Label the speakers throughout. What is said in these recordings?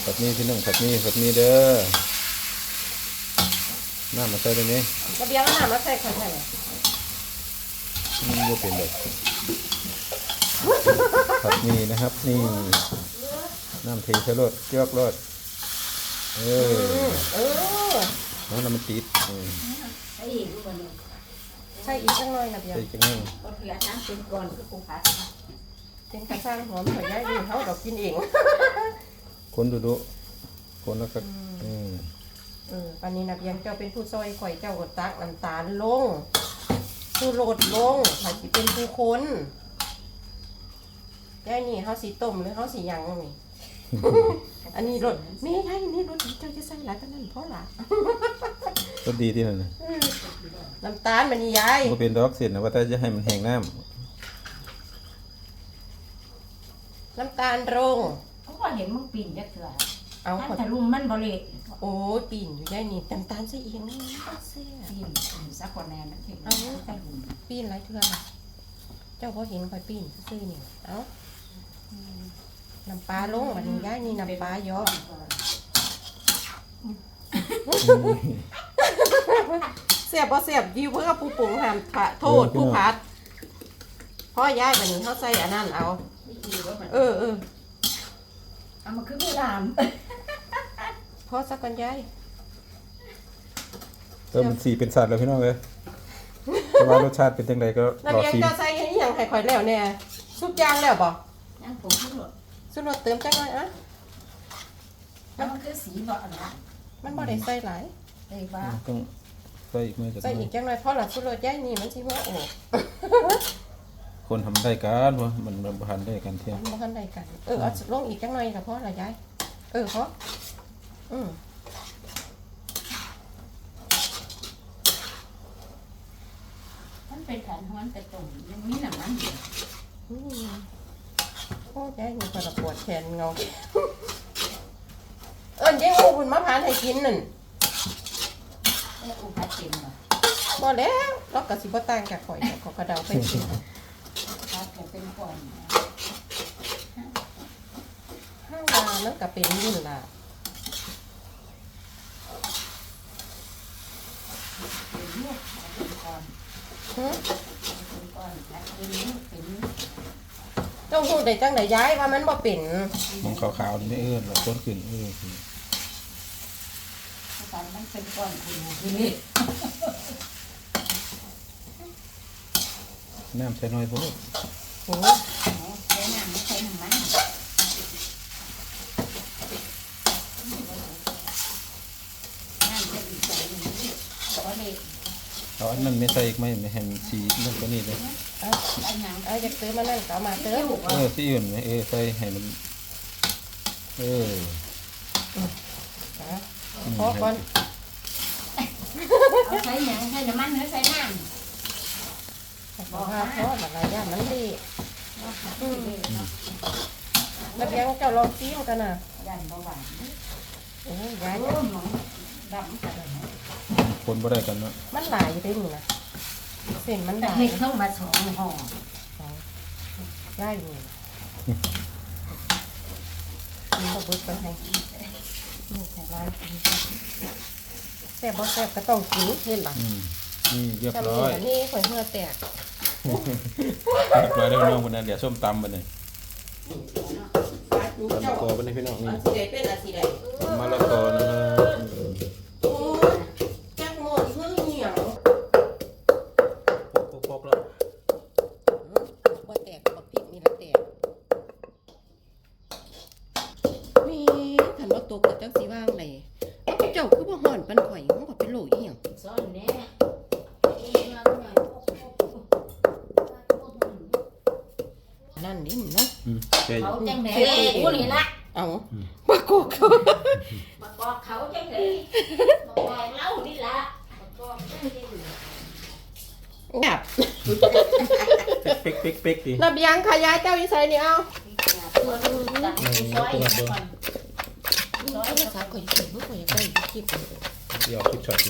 Speaker 1: ผัดนี้พี่น้องผัดนี้เด้อน้ำมาใส่ตรงนี้
Speaker 2: กระเบียงน้ำมาใส่คนไหน
Speaker 1: มันก็เป็นแบบผัดนี้นะครับนี่น้ำเทใส่รสเกลือรสแล้วน้ำมันติด
Speaker 2: ใส่อีกจังหน่อยนะเบียง
Speaker 1: ใส่จังเลย
Speaker 2: ก็เผื่อน้ำเป็นก่อนคือปูผัดเป็นกระซังหอมหอยย่ายดีเขาดอกกินเอง
Speaker 1: คนดูคนแล้วก็
Speaker 2: ปันนี้นะเบียงเจ้าเป็นผู้ซอยข่อยเจ้าก็ตักน้ำตาลลงผู้โรดลงข่อยสิเป็นผู้คนย่ายนี่เขาสีต้มหรือเขาสียังนี่อันนี้รสไม่ใช่นี่รสเจ้าจะใส่หลายขนาดเพราะหล่ะ
Speaker 1: รสดีที่นั่นนะ
Speaker 2: น้ำตาลมันนี่ยาย
Speaker 1: ก็เป็นดอกเสียนะว่าแต่จะให้มันแห้งน้
Speaker 2: ำตาลลง
Speaker 3: เขาก็เห็นมึงปีนจะเถื่อ
Speaker 2: เอา
Speaker 3: ถ้าลุมมันบริ
Speaker 2: โอ้ปีนอยู่ได้นี่น้ำตาลใส่เองนี่เสีย
Speaker 3: ปีนสักคนแน่มันเห็น
Speaker 2: เอาปีนไรเถื่อเจ้าพอเห็นคอยปีนซื้อนี่เอาน้ำปลาลงมันย้ายนี่น้ำปลาเยอะเสียบบ่เสียบยิวเพื่อผู้ปรุงห้ามโทษผู้พัดพ่อย้ายแบบนี้เขาใส่อันนั้นเอา
Speaker 3: เอามาคือไม่ลาม
Speaker 2: พ่อสักกันย้าย
Speaker 1: มันสีเป็นสัตว์เลยพี่น้องเลยแต่ว่ารสชาติเป็นยังไงก็
Speaker 2: รอชิมน้ำเบียงจะใส่อย่างไข่ข่อยแล้วเนี่ยซุปยางแล้วบ่
Speaker 3: ย่างผงสุ
Speaker 2: ดเติมจังเลยอ่ะ
Speaker 3: แล้วมันคือสีบ่อะไร
Speaker 2: มันบ่ได้ใส่หลาย
Speaker 3: ใส่บ้า
Speaker 1: ต้องใส่อีกไหม
Speaker 2: ใส่อีกจังเลยเพราะหลักสุดย้ายนี่มันสิว่าโอ้
Speaker 1: คนทำได้กันวะมันพันได้กันเที่ยง
Speaker 2: มันพันได้กันเอาลงอีกจังเลยกับเพราะอะไรย้ายเพราะ
Speaker 3: มันเป็นแผนของมันแต่ตรงยังมีหนังมันอยู่
Speaker 2: โอ้ย้ายมีคนปวดแขนเงาเจ๊อูคุณมะพร้าวให้กินนั่น
Speaker 3: อูพัดกินเหรอ
Speaker 2: บ่แล้วล็อกกับสิบ่ต่างจากข่อยขอกระเดาไปกิน
Speaker 3: พัดเป็นก่อน
Speaker 2: ห้าวานั่นก็เป็นยุ่นล่ะต้องพูดได้จังไหนย้ายว่ามันบ่เป็น
Speaker 1: มันขาวๆนี่ไม่หรอกต้นขึ้น
Speaker 3: มันเป็นก้อนทีนี้
Speaker 1: น้ำใส่น้อยพอ
Speaker 2: โอ้
Speaker 3: ใส่น้ำไม่ใส่น้ำมันน้ำจะอีกใส่หนึ่งก็เลย
Speaker 1: เอาอันนั้นไม่ใส่อีกไม่ให้มันสีนั่นก็นี่เลย
Speaker 2: จะซื้อมานั่นก็มาเติม
Speaker 1: ที่อื่นไหมใส่ให้มัน
Speaker 2: พอก่อน
Speaker 3: เอาใส่หนังใส่น้ำมันหรือใส่น้ำ
Speaker 2: พอหลายอย่างมันดีแล้วเพียงเจ้าลองซีมกันนะ
Speaker 3: ยันเบาหวาน
Speaker 2: โอ้ยยัน
Speaker 3: ดำกันเลย
Speaker 1: คนบ่ได้กันเนาะ
Speaker 2: มันหลายอยู่ด้วยนี่นะเส้นมันหลาย
Speaker 3: เห็ดเข้ามาสองห่อ
Speaker 2: ได้อยู่นี่ก็บุดไปให้นี่ใส่ร้านแซ่บบ่แซ่บก็ต้องกินเห็นป่ะ
Speaker 1: นี่เรียบร้อย
Speaker 2: นี่ข่อยเหื่อแตก
Speaker 1: เรียบร้อยได้พี่น้องคนนั้นเดี๋ยวส้มตำไปเลยมะละกอไปเลยพี่น้องนี่มะละกอนะครับ
Speaker 2: จักหมดเพื่อเหนียว
Speaker 1: พกแล้ว
Speaker 2: ว่าแตกบักพริกนี่ละแตกมีขันว่าตกกับจังสีว่างเลยเจ้าคือบ่ห่อนปันข่อยมันก็เป็นโรคอีหยัง
Speaker 3: ซ้อนแน่
Speaker 2: นั่นนี่เนาะ
Speaker 3: เขาจังไหนกูนี่ละ
Speaker 2: เอาปากกเขา
Speaker 3: ปากกเขาจังไหนปากกเล่านี่ละปากก
Speaker 2: แบบ
Speaker 1: เป๊กดิ
Speaker 2: ระเบียงขยายเจ้าวิสัยนี่เอาน้อยภาษาข่อยเขียนเมื่อข่อยยังได้คลิป
Speaker 1: เดี๋ยวคลิปช็อตดิ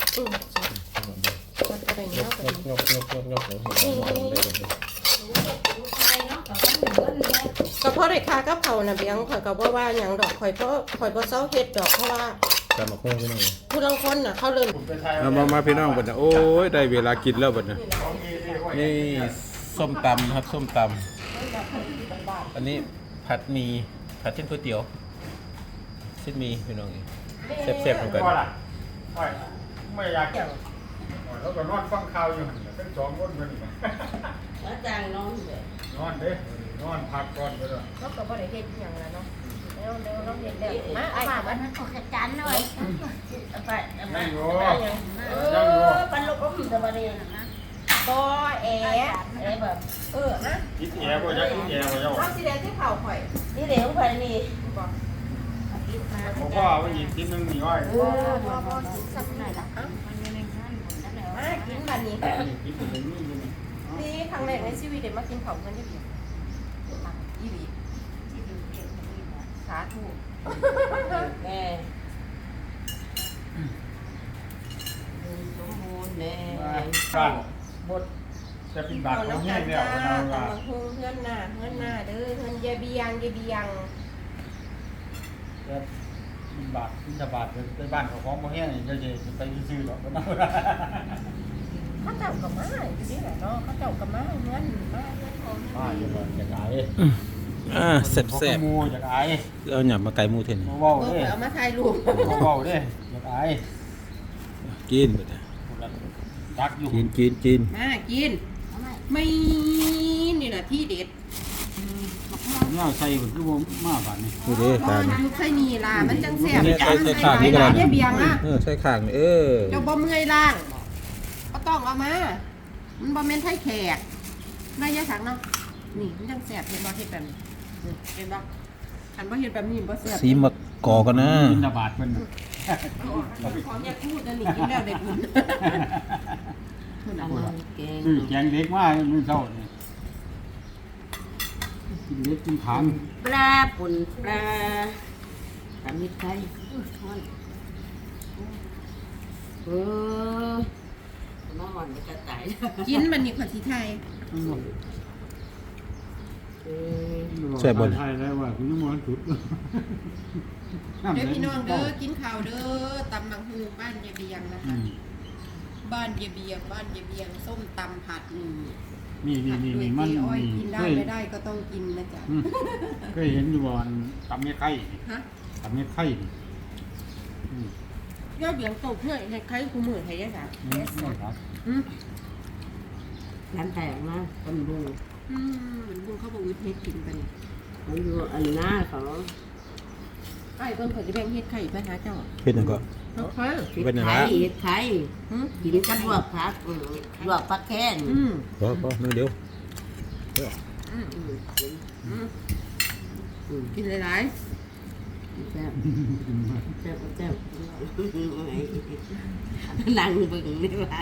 Speaker 2: มันอะไรเงี้ย
Speaker 1: งอก
Speaker 2: ก็ก็เพราะได้ค่ากับเขาน่ะเบียงข่อยก็บ่ว่าหยังดอกข่อยบ่เซาเฮ็ดดอกเพราะว่า
Speaker 1: ตามมาคุ้งพี่น้อง
Speaker 2: ผู้ลางคนน่ะเขาเริ่ม
Speaker 1: มาพี่น้องบัดน่ะโอ้ยได้เวลากินแล้วบัดน่ะนี่ส้มตำครับส้มตำอันนี้ผัดหมี่ผัดเส้นก๋วยเตี๋ยวเส้นหมี่พี่น้องแซ่บๆเหมือนกัน
Speaker 4: ไม่อยากแล้วก็นอนฟังข่าวอยู่ทั้งสองคนมัน
Speaker 3: อาจารย์น้องเลย
Speaker 4: นอนเด้นอนพักก่อนก็ได้
Speaker 2: เขาก็บ่ได้เฮ็ดหยังแล้วเนาะแล้วเราเฮ็ดแล้วมา
Speaker 3: ไอ้
Speaker 2: เอา
Speaker 3: บ้า
Speaker 2: มา
Speaker 3: มันขอขจันหน่อยไป
Speaker 4: นั่งอยู่
Speaker 3: ปันลูกอมจะมาเรียนนะ
Speaker 2: บ่แอ
Speaker 3: ไอ้แบบ
Speaker 2: นะ
Speaker 4: คิดแย่บ่อยากคิดแย่บ่อยาก
Speaker 2: เอาสิแดงที่เผาข่อย
Speaker 3: นี่เดี๋ยวไปนี่
Speaker 2: บ่
Speaker 4: ผมว่าว่าอีกทีนึงนี่อ้อย
Speaker 2: บ่กินสักหน่อยล่ะเอ้ามากินบัดนี้
Speaker 4: คิดถึงนี่นี่
Speaker 2: นี่ครั้งแรกในชีวิตได้มากินเผาเพิ่นได้เบียอีหลีสาธุ
Speaker 3: แม่สมบูรณ์แน่
Speaker 4: บ้าน
Speaker 3: บท
Speaker 4: จะเป็นบาท
Speaker 2: เอา
Speaker 4: ของ
Speaker 2: น้ำ
Speaker 4: แห้
Speaker 2: ตาง ล
Speaker 4: แล้ว
Speaker 2: จ้า
Speaker 4: เรา
Speaker 2: ตำบักหุ่งเพื่อนหน้าเด้อเพื่อนยายเบียง
Speaker 4: จะเป็นบาทเป็นบาทในบ้านของบ่แห้งจะไปซื้อหรอกก็นั่ง
Speaker 2: เขาเจ้ากับมาอยู่นี่แหละเนาะเขาเจ้ากับมาเพื่อนมาเพื่อนของ
Speaker 4: มาจะบ่จะขาย
Speaker 1: แซ่บ
Speaker 4: มูจะขาย
Speaker 1: ๆเอาหยับมาไก่หมูเท่น
Speaker 4: บ่เว้า
Speaker 2: เออ
Speaker 4: เด้
Speaker 2: เอามาถ่ายรูป
Speaker 4: บ่เว้าเด้จะขาย
Speaker 1: กินบัดน่ะ
Speaker 4: ดักอยู่
Speaker 1: กิน
Speaker 2: มากินไม่นี่แหละที่เด็ด
Speaker 4: เนี่ยใส่มันคือบ่มาบาดนี้
Speaker 1: นี่เด้
Speaker 2: อ๋อ
Speaker 1: ตาล
Speaker 2: น้ำไข่นี่ล่ะมันจังแซ่บ
Speaker 1: นี่ใส่ข้างนี่ก็ได้
Speaker 2: ยายเบียงอ่ะ
Speaker 1: ใส่ข้างนี่
Speaker 2: เจ้าบ่เมื่อยล่างก็ต้องเอามามันบ่แม่นไทยแขกได้ยะสังเนาะนี่มันจังแซ่บเห็นบ่เฮ็ดแบบนี้เห็นบ่คันบ่เฮ็ดแบบนี้บ่แซ่บ
Speaker 1: สีมะกอกกันนะ
Speaker 4: บินบาทเพิ่น
Speaker 2: ของอย่าพูดนะนี่กินแล้วได้บุญ
Speaker 3: อันนั้นเก่ง
Speaker 4: แกงเด็กมามื้อเช้านี่กินเด็กกินขาง
Speaker 3: ปลาปุ่นปลาทำมิตรไทยมาหอนจะตาย
Speaker 2: กินมันนี่ขอสิไทย
Speaker 1: ใช่บ่น
Speaker 4: ไทยแล้วว่าคุณยังบ่สุด
Speaker 2: เด้อพี่น้องเด้อกินข้าวเด้อตำบักฮูบ้านยายเบียงนะคะบ้านยายเบียงส้มตำผัดผัดด้วย
Speaker 4: มัน
Speaker 2: เจ๊อ้อยกินได้
Speaker 4: เคย
Speaker 2: ไม่ได้ก็ต้องกินนะจ๊ะ
Speaker 4: เคยเห็นอยู่บ่อนตำเม็ดไข่
Speaker 2: ฮะ
Speaker 4: ตำเม็ดไข่
Speaker 2: ยอดเบียงตกเพื่อในใครกูมือไทยยังไง
Speaker 4: ครับ
Speaker 3: ร้านแตกนะคนดู
Speaker 2: เหมือนบุญเขาบอกวิทย์เฮ็ดกินไปนี่
Speaker 3: มันอยู่อันหน้าเขา
Speaker 2: ไอ้ต้นเขาจะแบ่งเฮ็ดไข่ไปหาเจ้า
Speaker 1: เฮ็ดหยังก็
Speaker 2: โอเค
Speaker 3: เห็ดไข่เห็ดไข่กินกับลวกผักลวกผักแค้น
Speaker 1: พอนึงเดียว
Speaker 2: กินหลาย
Speaker 3: แซ่บแซ่บแซ่บนั่งเบิ่งนี่ว่า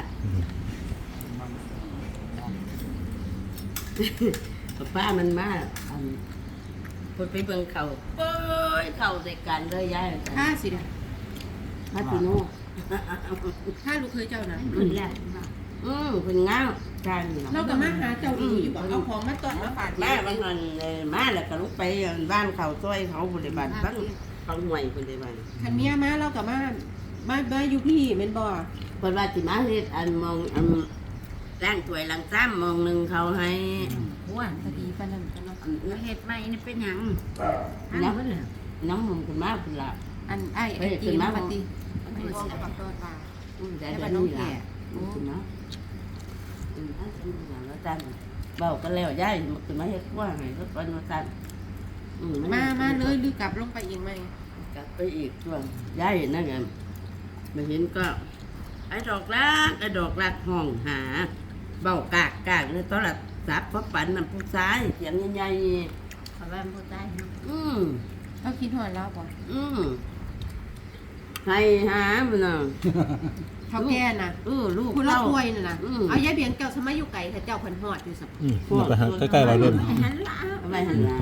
Speaker 3: ป้ามันมาคนไปเบิ่งเขาเป้ยเขาใส่กันเลยยาย
Speaker 2: ๆค่าสิเด้อ
Speaker 3: มาพี่โน่
Speaker 2: ค่าลูกเคยเจ้านะ
Speaker 3: มันแหละเป็นง้าวจาน
Speaker 2: เราก็มาหาเจ้าอีอยู่บ่เอาของมาต้อนมาฝาก
Speaker 3: แม่บางวันมาแล้วก็ลุกไปบ้านเขาช่วยเขาบริบาลบ้านเขาหน่วยบริบาล
Speaker 2: คันเมียมาเราก็มาอยู่พี่แม่นบ่
Speaker 3: คนว่าสิมาเฮ็ดอันมองอันล้างถ้วยล้างซ้ำมองหนึ่งเขาให้
Speaker 2: ว่าพอดีปานนั้นกันเนาะ
Speaker 3: เฮ็ดใหม่นี่เป็นหยังน้องมึงขึ้นมาพุ่นละ
Speaker 2: อันไอ้ไอ้กินมาบัดนี้ไม่ได้สิปักต้นปลา
Speaker 3: แต่เดี๋ยวนี้ล่ะขึ้นมาอันนี้ล่ะแล้วจันเบาก็แล้วย้ายมันขึ้นมาเฮ็ดกว้างให้รถวันจัน
Speaker 2: มาเลยหรือกลับลงไปอีกไหม
Speaker 3: กลับไปอีกช่วงย้ายนั่นไงมาเห็นก็ไอ้ดอกรักห้องหาเบากากในโทรศัพท์พบปันน้ำผู้ชายเสียงใหญ่ๆเขาว่าผู้ชาย
Speaker 2: เราคิดหอดแล้วบ่
Speaker 3: ให้หามันน่ะ
Speaker 2: เขาแก่น่ะ
Speaker 3: ลูก
Speaker 2: คุณละ
Speaker 3: เต้า
Speaker 2: ป่วยน่ะเอายายเบียงเจ้าสมัยอยู่ไกลแต่เจ้าเพิ่นฮอดอยู่สับ
Speaker 1: มันก็ใกล้ๆเราเล่น
Speaker 3: หันหลังไปหันหลัง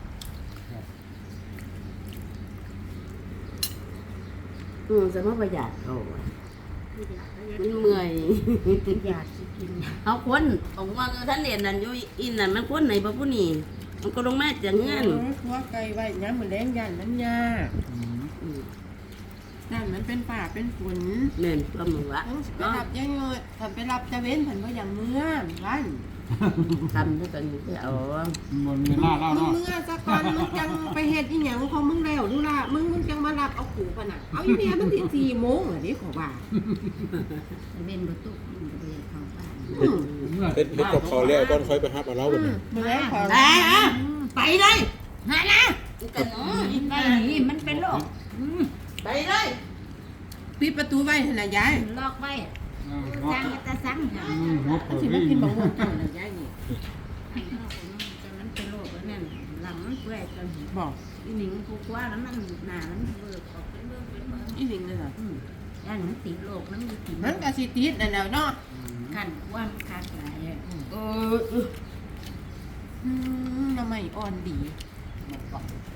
Speaker 3: สมมติประหยัดโอ้ยมันเมื่อย
Speaker 2: อยากสิกิน
Speaker 3: เอาคนผมว่าท่านเรียนนั่นอยู่อินนั่นมันคนไหนบ่ผู้นี่มันก็ลงมาจากเงิน
Speaker 2: หัวไก่ไว้ย้ำมือแรงยันมันยา
Speaker 3: อืม
Speaker 2: นั่นมันเป็นป่าเป็นฝน
Speaker 3: แม่นก็มึงวะ
Speaker 2: ต้องไป
Speaker 3: เนาะ
Speaker 2: รับยังไงทำไปรับจะเว้นผันว่าอย่างเมื่อวัน
Speaker 3: ทำด้วยกันไปเอา
Speaker 4: มันมีหน้าเล่า
Speaker 2: มึง
Speaker 4: เนาะ
Speaker 2: เมื่อสักก่อนมึงจังไปเฮ็ดอีหยังของมึงแล้วดูล่ะมึงจังมารับเอาขู่ปะน่ะเอาอีเมียมันสิ4 โมงเหรอนี่ขอว่า
Speaker 3: เป็นประตูมันก็ไปเข้าบ้าน
Speaker 1: เฮ็ดกับเขาวแล้วก่อนค่อยไปฮับเอาเราบัดนี้
Speaker 2: มือแรงขอ
Speaker 3: ไปเลยหานะกันเนาะไปนี่มันเป็นโรคไปเลย
Speaker 2: ปิดประตูไว้หั่นน่ะยาย
Speaker 3: ล็อกไว้สั่งแต่สั่งค่ะ
Speaker 4: หัวเปิ
Speaker 2: สิ
Speaker 4: ด
Speaker 2: มากินบักม่วงเจ้าน่ะยายนี่
Speaker 3: แต่มันเป็นโรคแล้วนั่นหลังมันเปื่อยจน
Speaker 2: บอก
Speaker 3: อีหนิงกูกว่าแล้วมันหนามันเบิกออกเป็นเบิกเป็นเบิก
Speaker 2: อีหลิงเลยเหรอ
Speaker 3: ย่านมันติดโรคมันมีติด
Speaker 2: มันก็สิติดนั่นแหล้วเนาะ
Speaker 3: กันว่ามันขาดหลายอ่ะ
Speaker 2: ทำไมอ่อนดี